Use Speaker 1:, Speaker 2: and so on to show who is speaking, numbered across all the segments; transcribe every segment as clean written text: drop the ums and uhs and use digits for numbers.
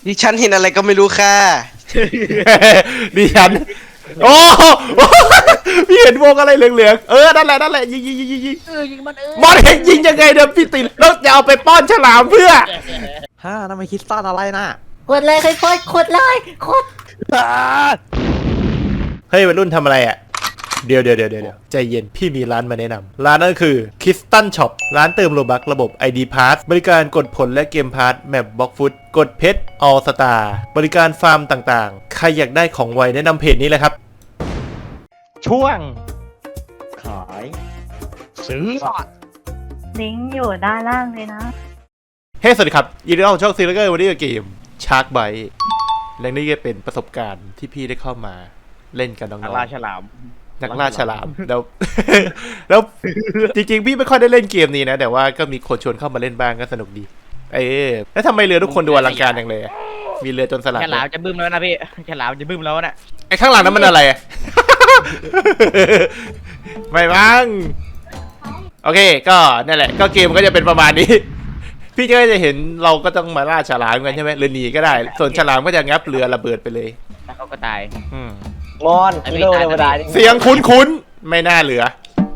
Speaker 1: ดิฉันเห็นอะไรก็ไม่รู้ค่ะ
Speaker 2: ดิฉันโอ้พี่เห็นวงอะไรเหลืองๆนั่นแหละยิง
Speaker 3: ยิงมัน
Speaker 2: บอลเห็นยิงยังไงเดี๋ยวพี่ติแล้วจะเอาไปป้อนฉลามเพื่อ
Speaker 4: ฮ่าทำไมคิดซ่อนอะไรน่ะ
Speaker 3: ขดเลยค่อยๆขดเลยขด
Speaker 2: เฮ้ยวัยรุ่นทำอะไรอ่ะเดี๋ยวใจเย็นพี่มีร้านมาแนะนำร้านนั่นคือ Kistan Shop ร้านเติมโลบัคระบบ ID Pass บริการกดผลและเกมพาร์ทแมปบล็อกฟุตกดเพชร All Star บริการฟาร์มต่างๆใครอยากได้ของไวแนะนำเพจนี้เลยครับช่วง
Speaker 4: ขาย
Speaker 1: ซื้อ
Speaker 5: ลิงก์อยู่ด้านล่างเลยนะ
Speaker 2: เฮ้สวัสดีครับยินดีต้อนรับช่องซีรีส์วันนี้กับเกมชาร์กไบต์และนี่ก็เป็นประสบการณ์ที่พี่ได้เข้ามาเล่นกับน้องๆนักล่าฉลามแล้ว แล้วจริงๆพี่ไม่ค่อยได้เล่นเกมนี้นะแต่ว่าก็มีคนชวนเข้ามาเล่นบ้างก็สนุกดีแล้วทำไมเรือทุกคนดูอลังการอย่างเลยมีเรือจนสลัด
Speaker 3: ฉลามจะบึ้มแล้วนะพี่ฉลามจะบึ้มแล้วนะ
Speaker 2: ไอ้ข้างหลังนั้นมันอะไร ไม่บ้างโอเคก็นั่นแหละก็เกมก็จะเป็นประมาณนี้ พี่ก็จะเห็นเราก็ต้องมาล่าฉลามกันใช่ไหมหรือหนีก็ได้ส่วนฉลามก็จะงับเรือระเบิดไปเลย
Speaker 3: แล้วเขาก็ตาย
Speaker 4: มอนฮีโร่ธรรมดา
Speaker 2: เสียงคุ้นๆไม่น่าเหลือ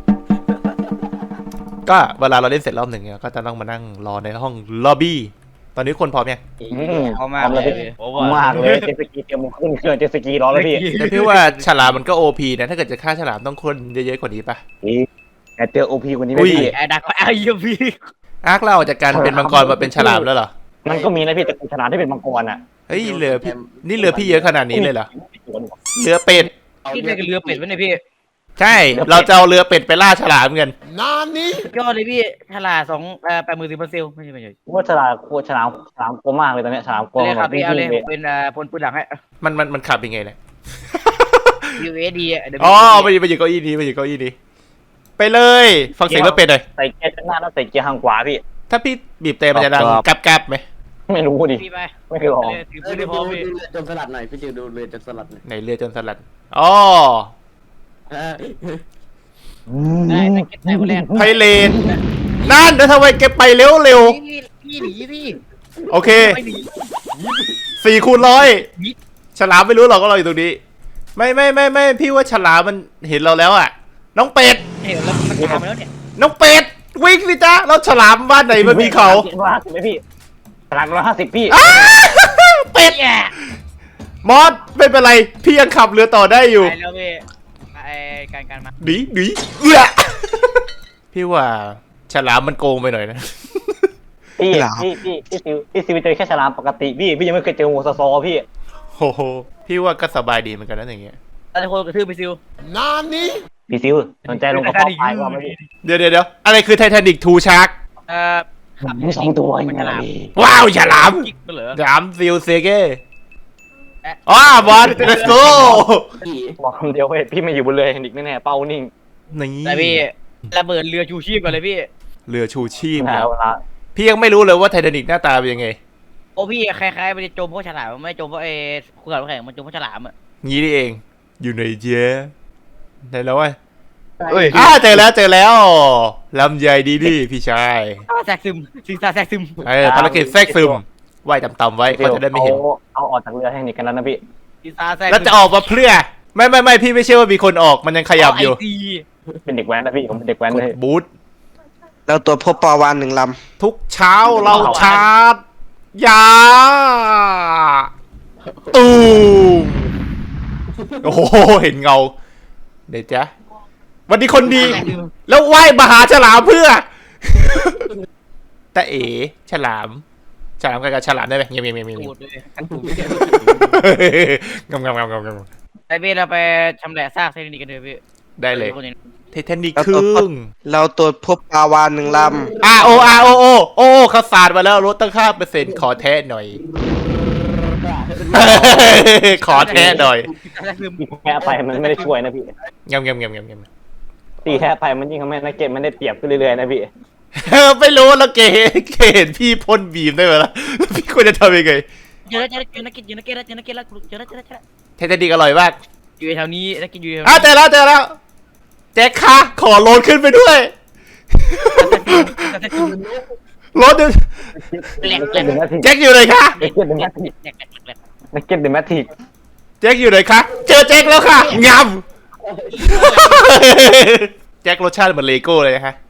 Speaker 2: ก็เวลาเราเล่นเสร็จรอบหนึ่งเนี่ยก็จะต้องมานั่งรอในห้องล็อบบี้ตอนนี้คนพร้อมยัง
Speaker 3: เขามากเลย
Speaker 4: มากเลยเจสกีเตรียมขึ้นเครื่องเจสกีรอแล้วพี่
Speaker 2: แต่พี่ว่าฉลามมันก็โอพีนะถ้าเกิดจะฆ่าฉลามต้องคนเยอะๆกว่านี้ปะ
Speaker 4: แต่เจอโอพีคนนี้ไม่พี่
Speaker 3: ไอ้ดักก็ไอ้ยูพี่
Speaker 2: อาร์คเราจากการเป็นมังกรมาเป็นฉลามแล้วเหรอ
Speaker 4: มันก็มีนะพี่แต่ฉลามที่เป็นมังกรอ่ะ
Speaker 2: เฮ้ยเรือพี่นี่เรือพี่เยอะขนาดนี้เลยเหรอเรือเป็ด
Speaker 3: พี่เป็นเรือเป็ดไว้เนี่ยพี่
Speaker 2: ใช่เราจะเอาเรือเป็ดไปล่าฉลามกัน
Speaker 3: ยอดเลยพี่ฉลาม80,000ไม่ใช่
Speaker 4: ว่าฉลามฉลามกลัวมากเลยตอนนี้ฉลามกลัว
Speaker 3: เลยครับพี่เอาเลยเป็นพลปืนหลังให้
Speaker 2: มันขับยังไงเนี่ย
Speaker 3: USD
Speaker 2: อ๋อไปอยู่เก้าอี้นี้ไปเลยฟังเสียงเรือเป็ดหน่อย
Speaker 4: ใส่เกียร์ข้างหน้าแล้วใส่เกียร์ข้างขวาพี่
Speaker 2: ถ้าพี่บีบเตะมันจะดังแกรบไหม
Speaker 4: ไม่รู้ดิ
Speaker 3: พี่ไป
Speaker 4: ไม่เคยลอง
Speaker 3: ถือปืนได้พอพี่
Speaker 6: จนสลัดหน่อยพี่จิวดูเรือจนสลัดหน่อย
Speaker 2: ไหนเรือจนสลัดอ๋อ
Speaker 3: ได้แต่เก็บได้หมดแล้ว
Speaker 2: ไพเรนนั่นแล้วทำไมแกไปเร็ว
Speaker 3: พี่หนีพี่
Speaker 2: โอเค
Speaker 3: ไม่หนี
Speaker 2: 4x100ฉลามไม่รู้หรอกว่าเราอยู่ตรงนี้ไม่พี่ว่าฉลามมันเห็นเราแล้วอ่ะน้องเป็ด
Speaker 3: เห็นแล้วมันตามไปแล้วเนี่ย
Speaker 2: น้องเป็ดวิ่งสิจ๊ะแล้วฉลามบ้านไหนมันมีเขา
Speaker 4: 150ไหมพี่ฉลาม150พี่
Speaker 2: เป็ดมอสไม่เป็นไรพี่ยังขับเรือต่อได้อยู่
Speaker 3: ไปแล้วพี่ไอ้การมา
Speaker 2: หนีพี่ว่าฉลามมันโกงไปหน่อยนะ
Speaker 4: พี่ซิวเจอแค่ฉลามปกติพี่ยังไม่เคยเจองูซอพี่
Speaker 2: โอ้โหพี่ว่าก็สบายดีเหมือนกันนะอย่างเงี้ย
Speaker 3: ตอนนี้คนกระทืบไปซิว
Speaker 4: พี่ซิวสนใจลงกระป๋องพายว่าไหมพี่
Speaker 2: เดี๋ยวอะไรคือไททานิกทูชาร์ก
Speaker 3: ขับ
Speaker 4: มี2 ตัว
Speaker 3: มันฉลาม
Speaker 2: ว้าวฉลาม
Speaker 3: กิ๊กเหรอ
Speaker 2: ฉลามซิลเซเก้อ๋อบอล let's go
Speaker 4: บอกคำเดียวเว้ยพี่ไม่อยู่บนเรือนิกแน่ๆเป้านิ่ง
Speaker 2: นี่
Speaker 3: แต่พี่ระเบิดเรือชูชีพกันเลยพี่
Speaker 2: เรือชูชีพ
Speaker 4: แล้วละ
Speaker 2: พี่ยังไม่รู้เลยว่าไททานิกหน้าตาเป็นยังไง
Speaker 3: โอ้พี่คล้ายๆมันจะจมเพราะฉลามไม่จมเพราะเขื่อนแข็งมันจมเพราะฉลามอ่ะ
Speaker 2: งี้นี่เองอยู่ในเจ๊ไหนแล้ววะ
Speaker 1: เอ้ย
Speaker 2: เจอแล้วลำใหญ่ดีพี่ชาย
Speaker 3: แทรกซึมสิงสาแทรกซึม
Speaker 2: ภารกิจแทรกซึมว่ายต่ำๆไว้เขาจะได้ไม่เห็น
Speaker 4: เอาออกจากเรือให้นิกกันแล้วนะพี่
Speaker 3: สิงสาแทรก
Speaker 2: แล้วจะออกมาเพื่อไม่พี่ไม่เชื่อว่ามีคนออกมันยังขยับอยู่
Speaker 4: เป็นเด็กแว้นนะพี่ผมเป็นเด็กแว้น
Speaker 2: ก
Speaker 4: เล
Speaker 2: ด
Speaker 4: ย
Speaker 2: บูท
Speaker 1: เราตัวพบปลาวาน1 ลำ
Speaker 2: ทุกเช้าเราชาร์จยาตูมโอ้โหเห็นเงาเดี๋ยวจ๊ะวันนี้คนดี แล้วไหว้มหาฉลามเพื่อ แต่ฉลามกับฉลามได้ไหมเงียบ
Speaker 3: ตูดเลยกันตูด
Speaker 2: งำ
Speaker 3: ไอเบสเราไปชำแหละซากเซนิกกันเถอะพี่
Speaker 2: ได้เลยไททานิกครึ่ง
Speaker 1: เราตัวพบปลาวาน1 ลำ
Speaker 2: โอ้เขาสาดมาแล้วลดตั้ง5%ขอแท้หน่อย ขอแท้หน่อย
Speaker 4: แพ้ไปมันไม่ได้ช่วยนะพี่
Speaker 2: งำ
Speaker 4: ตีแพ้ไปมันยิ่งทำให้นักเก็ตมันได้เปรียบขึ้นเรื่อยๆนะพี่
Speaker 2: ไม่รู้แล้วเกเห็นพี่พ่นบีมได้ไหมล่ะพี่ควรจะทำยังไง
Speaker 3: เจอแล้วนักกินแล้วเจอแล้ว
Speaker 2: ไททานิกอร่อยมาก
Speaker 3: อยู่แถวนี้นักกินอยู่
Speaker 2: เจอแล้วแจ็คค่ะขอโหลดขึ้นไปด้วยรถเนี่ย
Speaker 3: แหลก
Speaker 4: เก็ตเดอะแมทริก
Speaker 2: แจ็คอยู่ไหนคะ
Speaker 4: เก็ตเดอะแมทริกเก็ตเดอะแมทริก
Speaker 2: แจ็คอยู่ไหนคะเจอแจ็คแล้วค่ะงามแจ็ครสชาติเหมือนเลโก้เลยนะฮะ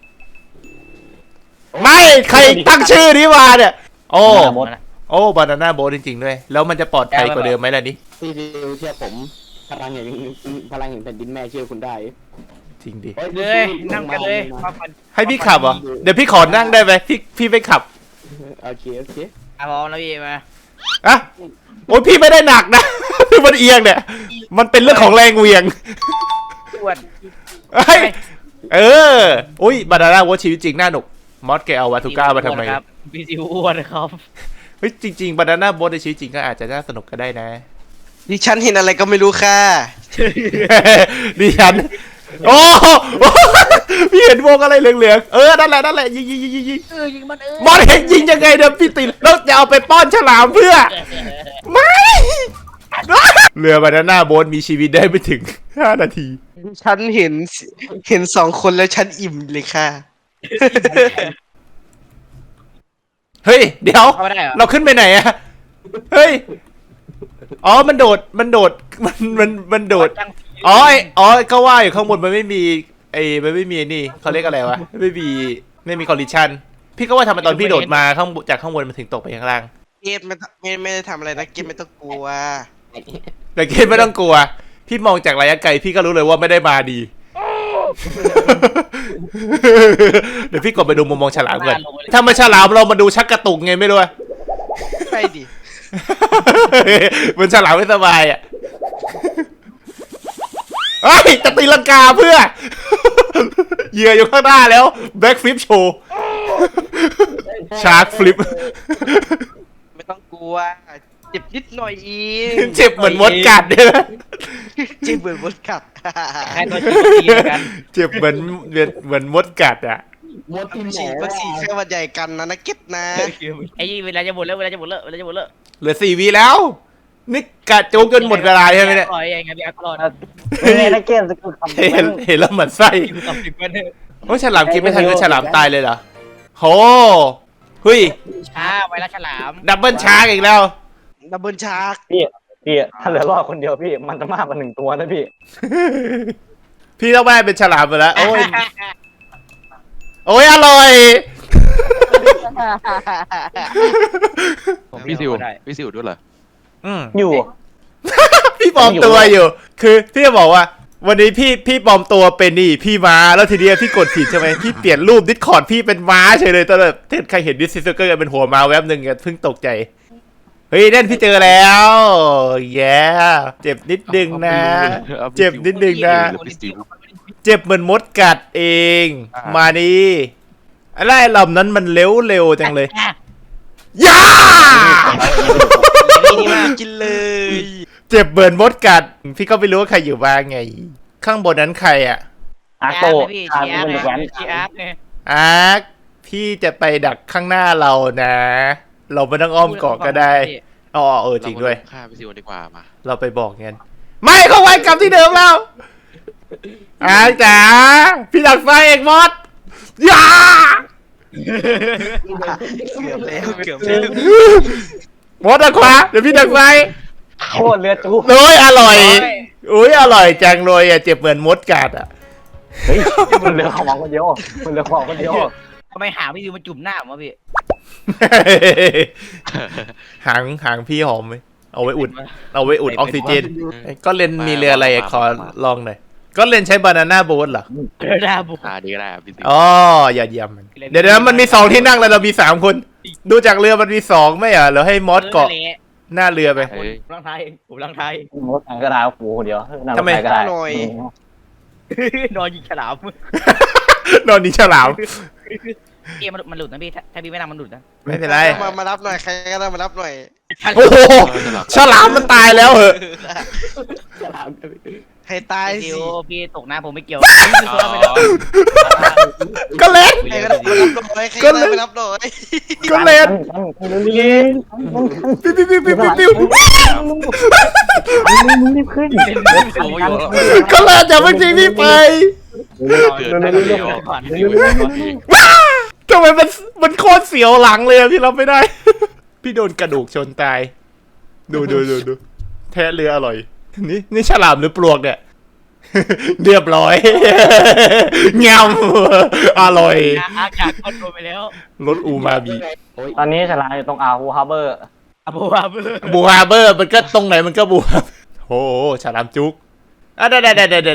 Speaker 2: ไม่ใครตั้งชื่อนี้มาเนี่ยโอ้บานาน่าโบ๊ทจริงๆด้วยแล้วมันจะปลอดภัยกว่าเดิมไหมล่ะนี่
Speaker 6: พี่ดิวเชื่อผมพลังแห่งแผ่นดินแม่เชื่อคุณได้
Speaker 2: จริงดิ
Speaker 3: เลยนั่งกันเลยมาฟัน
Speaker 2: ให้พี่ขับเหรอเดี๋ยวพี่ขอนั่งได้ไหมพี่ไม่ขับ
Speaker 6: โอเคโอเค
Speaker 3: อ่ะพร้อมแล้วพี่มา
Speaker 2: อะโอ้ยพี่ไม่ได้หนักนะ มันเอียงเนี่ยมันเป็นเรื่องของแรงเหวี่ยง
Speaker 3: อ้วน
Speaker 2: เฮ้ยเอออุ้ยบานาน่าโบ๊ทชีวิตจริงน่าหนุกมอสแกเอาวาทูก้ามาทำไม
Speaker 3: ครับพี่ซิวอ้วนครับ
Speaker 2: เฮ้ยจริงๆบานาน่าโบ๊ทในชีวิตจริงก็อาจจะน่าสนุกก็ได้นะ
Speaker 1: ดิฉันเห็นอะไรก็ไม่รู้ค่ะ
Speaker 2: ดิฉันโอ้โหพี่เห็นวงอะไรเหลืองๆนั่นแหละยิง
Speaker 3: ยิงมัน
Speaker 2: มอสเห็นยิงยังไงเดี๋ยวพี่ติแล้วจะเอาไปป้อนฉลามเพื่อไม่เรือบานาน่าโบ๊ทมีชีวิตได้ไม่ถึง5 นาที
Speaker 1: ฉันเห็น2 คนแล้วฉันอิ่มเลยค่ะ
Speaker 2: เฮ้ยเดี๋ยว
Speaker 3: เข้าไม่ได้เหรอ
Speaker 2: เราขึ้นไปไหนอะเฮ้ยอ๋อมันโดดมันโดดอ๋อก็ว่าอยู่ข้างบนมันไม่มีมันไม่มีนี่เขาเรียกอะไรวะไม่มีคอลลิชันพี่ก็ว่าทำไมตอนพี่โดดมาจากข้างบนมันถึงตกไปข้างล่าง
Speaker 1: เกตไม่ได้ทำอะไรนะเกตไม่ต้องกลัว
Speaker 2: แต่เกณฑ์ไม่ต้องกลัวพี่มองจากระยะไกลพี่ก็รู้เลยว่าไม่ได้มาดี เดี๋ยวพี่กดไปดูมุมมองฉลามก่อนถ้ามันฉลามเรามาดูชักกระตุกไงไม่รู้อะ
Speaker 1: ใช่ดิ
Speaker 2: มันฉลามไม่สบายอ่ะเฮ้ยจะตีลังกาเพื่อ เหยื่ออยู่ข้างหน้าแล้วแบ็กฟลิปโชว์ชาร์กฟลิป
Speaker 1: ไม่ต้องกลัวเจ็บนิดหน่อยอี
Speaker 2: เจ็บเหมือนมดกัดเนี่ยนะ
Speaker 1: เจ็บเหมือนมดกัด
Speaker 3: ใครตัวชี้กัน
Speaker 2: เจ็บเหมือนมดกัดอ่ะ
Speaker 6: มดที่หม
Speaker 1: ฉีดวัคซีนแค่วันใหญ่กันนะเก็ตนะ
Speaker 3: ไอ้เวลาจะหมดแล้วเวลาจะหมดแล้ว
Speaker 2: เหลือ4 วิแล้ว นี่กะโจกจนหมดเวลาใช่ไหมเนี่ย
Speaker 3: ปล่อยยังไงพี่อักรอด
Speaker 4: นี่นะเกมสกิลคำ
Speaker 2: เห็นแล้วเหมือนไส้
Speaker 3: อยู่กับ10 วันเถอะ
Speaker 2: โอ้ยฉลามกินไม่ทันก็ฉลามตายเลยเหรอโหเฮ้ย
Speaker 3: ช้าไวรัสฉลาม
Speaker 2: ดับเบิลชาร์กอีกแล้ว
Speaker 1: ดับเบิลชาร์ก
Speaker 4: พี่ถ้าเหลือรอดคนเดียวพี่มันจะมากกว่า1 ตัวนะพี่
Speaker 2: พี่ต้องแม่เป็นฉลามไปแล้วโอ้ยอร่อย
Speaker 7: พี่ซิวด้วยเหรอ
Speaker 4: อยู่
Speaker 2: พี่ปลอมตัวอยู่ คือพี่จะบอกว่า วันนี้พี่ปลอมตัวเป็นนี่พี่ม้าแล้วทีเดียวพี่กดผิดใช่ไหมพี่เปลี่ยนรูปดิสคอร์ดพี่เป็นม้าเฉยเลยตอนแบบใครเห็นดิสซิสเกอร์เป็นหัวม้าแวบหนึ่งเพิ่งตกใจเฮ้ยนั่นพี่เจอแล้วแย่เจ็บนิดนึงนะ เจ็บนิดนึงนะ เจ็บเหมือนมดกัดเองมานี่อะไรลำนั้นมันเร็วจังเลยย่า
Speaker 1: นี่มากินเลย
Speaker 2: เจ็บเหมือนมดกัดพี่ก็ไม่รู้ว่าใครอยู่บ้างไง ข้างบนนั้นใครอ่ะ
Speaker 4: อาโต
Speaker 3: พี่
Speaker 4: อา
Speaker 3: ชีอาร์
Speaker 4: เป็นแหวน
Speaker 3: ชีอาร์ไง
Speaker 2: อาร์คพี่จะไปดักข้างหน้าเรานะ เราไม่ต้องอ้อมเกาะก็ได้อ๋อจริงด้วย
Speaker 7: ฆ่าพี่ซิวดีกว่ามา
Speaker 2: เราไปบอกงั้นไม่เขาไว้กลับที่เดิมแล้วอาร์คจ๋าพี่ดักไฟเอกมดย่า
Speaker 1: เกือบแล้ว
Speaker 2: มดดักขวาเดี๋ยวพี่ดักไฟ
Speaker 4: โคตรเรือจู
Speaker 2: โอ้ยอร่อยอุ้ยอร่อยจังเลยอ่ะเจ็บเหมือนมดกัดอ่ะ
Speaker 4: เฮ้ยมันเหลือของคนเดียวมันเหลือของคนเดียว
Speaker 3: ทำไมหาพี่ซิวมาจุ่มหน้าผมวะพี่
Speaker 2: หางพี่หอมไหมเอาไว้อุดออกซิเจนก็เลนมีเรืออะไรขอลองหน่อยก็เลนใช้บานาน่าโบ๊ทเหรอ
Speaker 3: เจอหน้าบุก
Speaker 7: ดีก็ได้ครับพี่ซิว
Speaker 2: อ๋ออย่าเยี่ยมมันเดี๋ยวมันมี2 ที่นั่งแล้วเรามี3 คนดูจากเรือมันมี2ไม่เหรอเราให้มอสเกาะหน้าเรือไป
Speaker 7: เฮ้ย
Speaker 3: ผมลังไทยผมลังไทย
Speaker 4: มดอังกระดาษกูคนเดียวนั่งรถไฟก็ได้
Speaker 1: หน่อย
Speaker 3: นอนยิงฉลาม
Speaker 2: นอนนี่ฉลาม
Speaker 3: เกมมันหลุดนะพี่ถ้าพี่ไม่นั่งมันหลุดนะ
Speaker 2: ไม่เป็นไร
Speaker 1: มารับหน่อยใครก็ได้มารับหน่อย
Speaker 2: โอ้โหฉลามมันตายแล้วเหอะ
Speaker 1: ให้ตาย
Speaker 3: ซิ
Speaker 1: สิ
Speaker 3: วพี่ตกน้ำผมไม่เกี่ยว
Speaker 2: ก็เล่น
Speaker 1: ใครก็ได้มารับหน่อยใครก็ได้มารับหน่อย
Speaker 2: ก็เล่น ปิ้ว
Speaker 4: มึงรีบขึ้น
Speaker 7: โอ้ย
Speaker 2: ก็เล่นจะไม่จริงพี่ไป
Speaker 7: เกิดได้เดียว
Speaker 2: ทำไมมันโคตรเสียวหลังเลยอะพี่รับไม่ได้ พี่โดนกระดูกชนตาย ดูแทะเรืออร่อย นี่ฉลามหรือปลวกเนี่ย เรียบร้อย งามอร่อย
Speaker 3: อากาศคอนโทรลไปแล้ว
Speaker 2: รสอูมาบิ
Speaker 4: ตอนนี้ฉลามอยู่ตรงอ่าวฮาร์เบอร์
Speaker 3: อะบัวเบอร์
Speaker 2: บูฮาร์เบอร์มันก็ตรงไหนมันก็บูฮาโอ้โหฉลามจุกอ่ะเด็ด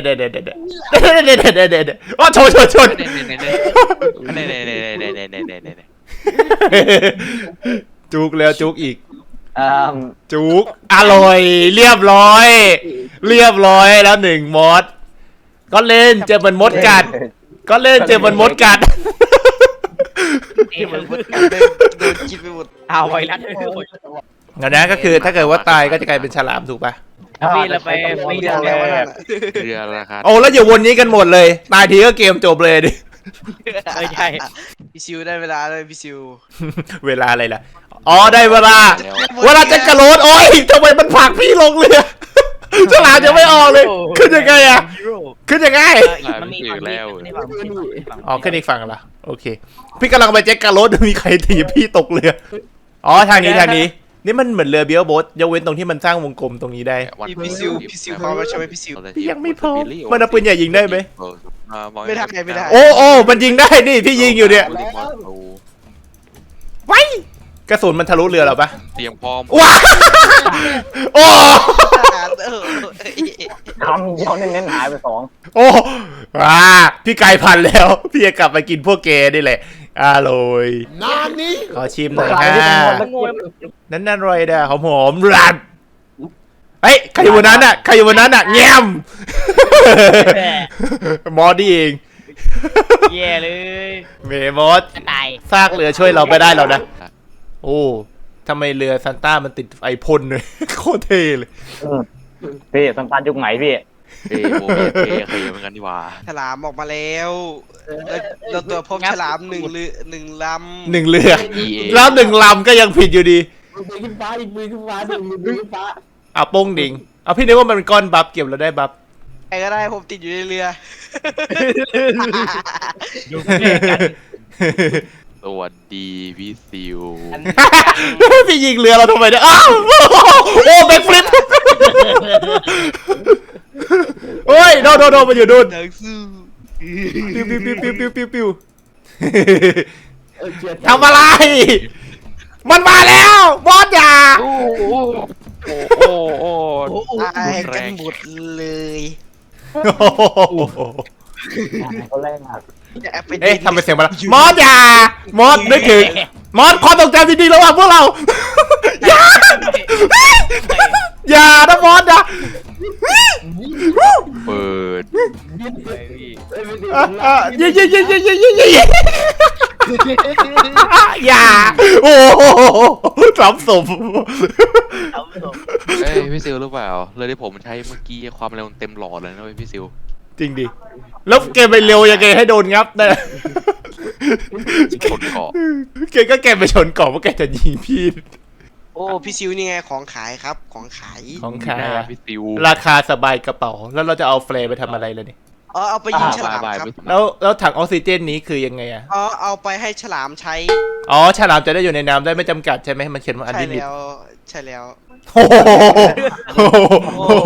Speaker 2: อ๋อชน จุกแล้วจุกอีก จุกอร่อยเรียบร้อยแล้วหนึ่งมอสก็เล่นเจอมันมดกัด
Speaker 1: ที่มันโดนกินไปหมด
Speaker 3: เอาไวรัส
Speaker 2: งั้นนะก็คือถ้าเกิดว่าตายก็จะกลายเป็นฉลามถูกปะ
Speaker 3: พี่เราไป
Speaker 1: ไม่
Speaker 3: ไม่
Speaker 1: เรื่
Speaker 3: ได้
Speaker 1: องแล้วนั่น
Speaker 7: เรือราคา
Speaker 2: โอ้แล้วอย่าวนนี้กันหมดเลยตายทีก็เกมจบเลยดิ
Speaker 3: ไม่ใช่
Speaker 1: พี่ซิวได้เวลาเลยพี่ซิว
Speaker 2: เวลาอะไรล่ะอ๋อได้เวลาจะกระโดดโอ้ยทำไมมันผลักพี่ลงเรือฉลามจะไม่ออกเลยขึ้นยังไงอะขึ้นยังไง
Speaker 3: มันมีฝั่งนี้ฝั่งนี้
Speaker 2: อ๋อขึ้นอีกฝั่งละโอเคพี่กำลังไปแจ็คการรถมีใครถีบพี่ตกเรืออ๋อทางนี้นี่มันเหมือนเรือเบียร์โบ๊ทยกเว้นตรงที่มันสร้างวงกลมตรงนี้ได้
Speaker 1: พี่ซิวพร้อมแล้วใช่ไหมพี่ซิว
Speaker 2: พี่ยังไม่พร้อมมันเอาปืนใหญ่ยิงได้ไหม
Speaker 1: ไม่ได้
Speaker 2: โอ้มันยิงได้นี่พี่ยิงอยู่เนี่ยไว้กระสุนมันทะลุเรือหรอปะ
Speaker 7: เตรียมพร้อม
Speaker 2: ว้าโอ้
Speaker 4: คำเดียวเน้นๆหายไปสอง
Speaker 2: โอ้พี่กลายพันธุ์แล้ว พี่จะกลับมากินพวกแกนี่แหละอร่อยขอชิมหน่อยนั่นอร่อยเด้อหอมรัดเฮ้ยใครอยู่บนนั้นอ่ะแง้มมอสนี่เอง
Speaker 3: แย่เลย
Speaker 2: เมมอส
Speaker 3: จะตาย
Speaker 2: ซากเรือช่วยเราไม่ได้แล้วนะโอ้ทำไมเรือซันต้ามันติดไอพ่นเลย โคตรเท่เลย
Speaker 4: พี่สัมปันยุคไหนพี่
Speaker 7: โมเมเคเหมือนกันดีกว่า
Speaker 1: ฉลามออกมาแล้วเราตัวพบฉลามหนึ่งล
Speaker 2: หนึ่งเรือแล้วหนึ่งลำก็ยังผิดอยู่ดี
Speaker 6: มือขึ้นฟ้าอีกมือขึ้นฟ้าดึงมือขึ้นฟ้า
Speaker 2: เอาโป้งดิ่งเอาพี่นึกว่ามันเป็นก้อนบัฟเก็บเราได้บัฟ
Speaker 1: ำใครก็ได้ผมติดอยู่ในเรือ
Speaker 3: อยู่ใกล้กัน
Speaker 7: สวัสดีพี่ซิว
Speaker 2: พี่ยิงเรือเราทำไมเนี่ยอ้าวโอ้แบ็คฟลิปโอ้ยโดมันอยู่นู่น
Speaker 1: นักสู้
Speaker 2: ปิ้วทำอะไร มันมาแล้วบอสอย่า
Speaker 7: โอ้
Speaker 1: ตายกันหมดเลย
Speaker 4: คนแรกอ่ะ
Speaker 2: เอ๊ะทำเป็นเสียงมาแล้วมอสอย่ามอสนึกถึงมอสความทรงจำดีๆระหว่างพวกเราอย่านะมอสนะ
Speaker 7: เปิด
Speaker 2: ยิงอย่าโอ้สามศพ
Speaker 7: เอ้ยพี่ซิวรู้เปล่าเลยที่ผมใช้เมื่อกี้ความเร็วเต็มหลอดเลยนะพี่ซิว
Speaker 2: จริงดิแล้วแกไปเร็วยังไงให้โดนงับนะ
Speaker 7: ชนเกาะ
Speaker 2: แกไปชนเกาะเพราะแกจะยิงพี่
Speaker 1: โอ้พี่ซิวนี่ไงของขายครับของขาย
Speaker 2: ของขายอะ
Speaker 7: พี่ซิว
Speaker 2: ราคาสบายกระเป๋าแล้วเราจะเอาแฟร์ไปทำอะไรเลยเนี่ย
Speaker 1: เอาไปยิงฉลามครับ
Speaker 2: แล้วถังออกซิเจนนี้คือยังไงอะ
Speaker 1: เอาไปให้ฉลามใช้
Speaker 2: อ๋อฉลามจะได้อยู่ในน้ำได้ไม่จำกัดใช่ไหมมันเขียนว่าอัน
Speaker 1: ใช่
Speaker 2: ลิมิต
Speaker 1: แล้วใช่แล้ว
Speaker 2: โอ้โห
Speaker 1: โอ้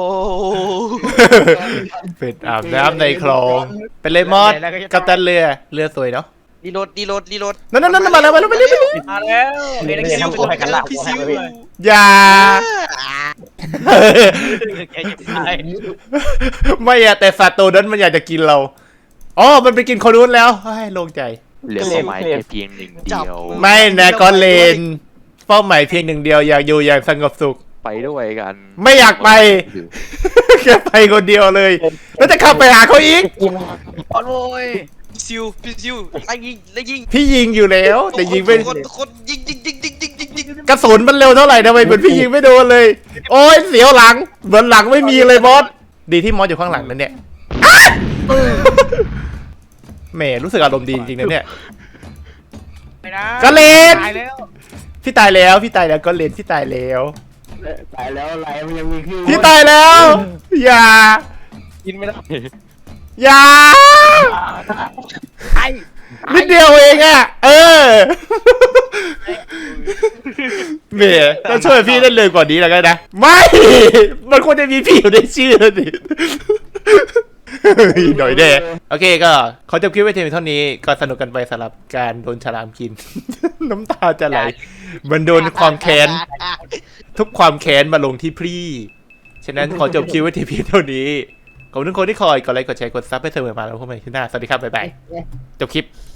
Speaker 2: เป็นอาบน้ำในคลองเป็นเลมอสกัปตันเรือสวยเนาะ
Speaker 1: ดีรถ
Speaker 2: นั่นมาแล้ว
Speaker 3: มาแล้ว
Speaker 4: พี่ทำตัวให้กันละ
Speaker 1: พี่ซิว
Speaker 2: อย่า
Speaker 3: แกจะตาย
Speaker 2: ไม่อะแต่สัตว์ตัวนั้นมันอยากจะกินเราอ๋อมันไปกินคนนู้นแล้วเฮ้ยโล่งใจ
Speaker 7: เหลือเป้าหมายแค่เพียงหนึ่งเดียว
Speaker 2: ไม่นะกอนเลนเป้าหมายเพียงหนึ่งเดียวอยากอยู่อย่างสงบสุข
Speaker 7: ไปด้วยกัน
Speaker 2: ไม่อยากไป แค่ไปคนเดียวเลย แล้วจะขับไปหาเขาอีก
Speaker 3: โอ้ย
Speaker 1: พี่ซิวไล่ยิง
Speaker 2: พี่ยิงอยู่แล้ว แต่ยิงไม่
Speaker 1: คนยิง
Speaker 2: กระสุนมันเร็วเท่าไหร่ทำไมเหมือนพี่ยิงไม่โดนเลย โอ้ยเสียวหลังเหมือนหลังไม่มีเลยมอสดีที่มอสอยู่ข้างหลังนั่นเนี่ยแหมรู้สึกอารมณ์ดีจริงๆนะเนี่ย
Speaker 3: ไม่นะ
Speaker 2: กระเลน
Speaker 3: ตายแล้ว
Speaker 2: พี่ตายแล้วก็เลนพี่ตายแล้ว
Speaker 6: ตายแล้วอะไรมันยังมีขึ้น
Speaker 2: พี่ตายแล้ว อย่า
Speaker 3: กินไม่ได้
Speaker 2: อย่า
Speaker 3: ตาย
Speaker 2: นิดเดียวเองอ่ะ เออเมย์ต้องช่วยพี่ได้เลยกว่านี้แล้วกันนะ ไม่ มันควรจะมีพี่อยู่ในชื่อดิหน่อยแน่โอเคก็ขอจบคลิปไว้เพียงเท่านี้ก็สนุกกันไปสำหรับการโดนฉลามกิน น้ำตาจะไหลมันโดนความแค้น ทุกความแค้นมาลงที่พี่ ฉะนั้นขอจบคลิปไว้ที่เพียงเท่านี้ ขอบคุณทุกคนที่คอยกดไลค์กดแชร์กดซับให้เสมอมาแล้วพบกันใหม่ที่หน้า สวัสดีครับ บ๊ายบาย จบคลิป